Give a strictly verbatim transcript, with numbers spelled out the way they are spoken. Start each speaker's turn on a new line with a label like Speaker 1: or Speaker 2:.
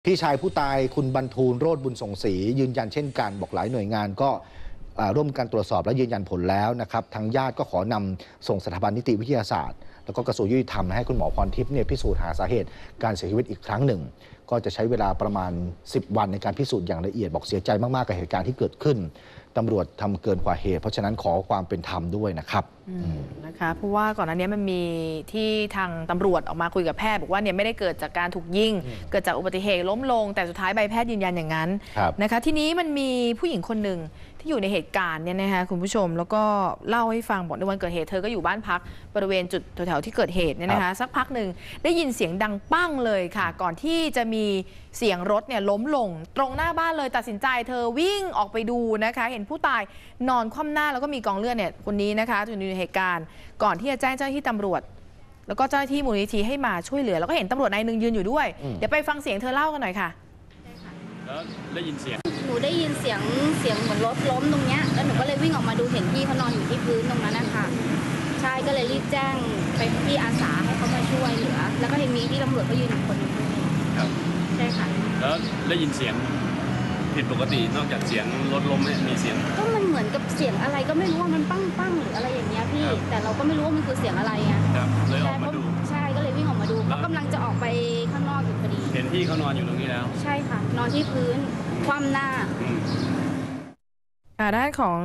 Speaker 1: พี่ชายผู้ตายคุณบรรทูลโรจน์บุญส่งศรียืนยันเช่นกันบอกหลายหน่วยงานก็ร่วมกันตรวจสอบและยืนยันผลแล้วนะครับทางญาติก็ขอนำส่งสถาบันนิติวิทยาศาสตร์แล้วก็กระทรวงยุติธรรมให้คุณหมอพรทิพย์เนี่ยพิสูจน์หาสาเหตุการเสียชีวิตอีกครั้งหนึ่งก็จะใช้เวลาประมาณสิบวันในการพิสูจน์อย่างละเอียดบอกเสียใจมากๆกับเหตุการณ์ที่เกิดขึ้นตำรวจทำเกินกว่าเหตุเพราะฉะนั้นขอความเป็นธรรมด้วยนะครับ
Speaker 2: นะคะเพราะว่าก่อนหน้านี้มันมีที่ทางตำรวจออกมาคุยกับแพทย์บอกว่าเนี่ยไม่ได้เกิดจากการถูกยิงเกิดจากอุบัติเหตุล้มลงแต่สุดท้ายใบแพทย์ยืนยันอย่างนั้นนะคะทีนี้มันมีผู้หญิงคนหนึ่งที่อยู่ในเหตุการณ์เนี่ยนะคะคุณผู้ชมแล้วก็เล่าให้ฟังบอกในวันเกิดเหตุเธอก็อยู่บ้านพักบริเวณจุดแถวๆที่เกิดเหตุเนี่ยนะคะสักพักหนึ่งได้ยินเสียงดังปั้งเลยค่ะก่อนที่จะมีเสียงรถเนี่ยล้มลงตรงหน้าบ้านเลยตัดสินใจเธอวิ่งออกไปดูนะคะเห็นผู้ตายนอนคว่ำหน้าแล้วก็มีกองเลือดเนี่ยคนนี้นะคะอยู่ในเหตุการณ์ก่อนที่จะแจ้งเจ้าหน้าที่ตำรวจแล้วก็เจ้าหน้าที่มูลนิธิให้มาช่วยเหลือแล้วก็เห็นตำรวจนายหนึ่งยืนอยู่ด้วยเดี๋ยวไปฟังเสียงเธอเล่ากันหน่อยค่ะ
Speaker 3: แล้วได้ยินเสียง
Speaker 4: หนูได้ยินเสียงเสียงเหมือนรถล้มตรงเนี้ยแล้วหนูก็เลยวิ่งออกมาดูเห็นพี่เขานอนอยู่ที่พื้นตรงนั้นนะคะใช่ก็เลยรีบแจ้งไปที่อาสาให้เขามาช่วยเหลือแล้วก็เห็นมีที่ตำรวจเขายืนอยู่คนนึง
Speaker 3: ครับ
Speaker 4: ใช่ค่ะ
Speaker 3: แล้วได้ยินเสียงผิดปกตินอกจากเสียงรถล้มมีเสียง
Speaker 4: ก็มันเหมือนกับเสียงอะไรก็ไม่รู้ว่ามันปั้งปั้งหรืออะไรอย่างเงี้ยพี่แต่เราก็ไม่รู้ว่ามันคือเสียงอะไรไง
Speaker 3: ครับเลยออกมาดู
Speaker 4: ใช่ก็เลยวิ่งออกมาดูเขากำลังจะออกไปข้างนอกอยู่พอดี
Speaker 3: เห็นพี่เขานอนอยู่ตรงนี้แล้ว
Speaker 4: ใช่ค่ะนอนที่พื้นคว่ำหน้า
Speaker 2: ด้านของ